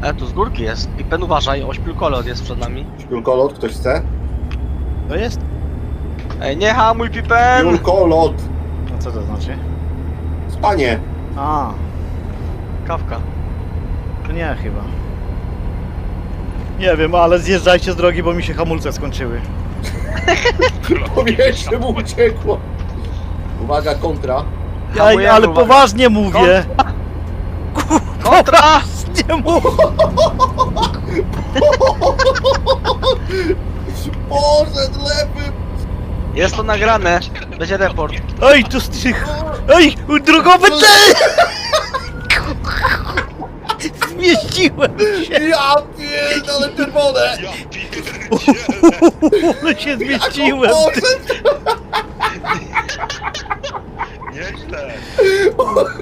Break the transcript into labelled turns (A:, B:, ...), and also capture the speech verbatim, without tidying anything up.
A: E, tu z górki jest. Pipen, uważaj, ośpiulkolot jest przed nami.
B: Julkolot, ktoś chce?
C: To jest?
A: Ej, nie hamuj, Pipen!
B: Julkolot!
C: No co to znaczy?
B: Spanie!
C: A,
A: Kawka.
C: to nie chyba. Nie wiem, ale zjeżdżajcie z drogi, bo mi się hamulce skończyły.
B: Powietrze mu uciekło! Uwaga, kontra.
C: Ja,
A: Hamujemy,
C: ale
A: uwaga.
C: poważnie mówię!
A: Kontra!
C: Nie mów!
B: Boże, dlepy!
A: Jest to nagrane. Będzie report.
C: Ej, tu strych! Ej, drogowy cel! Zmieściłem się!
B: Ja pierdolę czerwone!
D: Ja pierdzielę!
C: Ale się zmieściłem!
B: Boże!
D: Nieźle!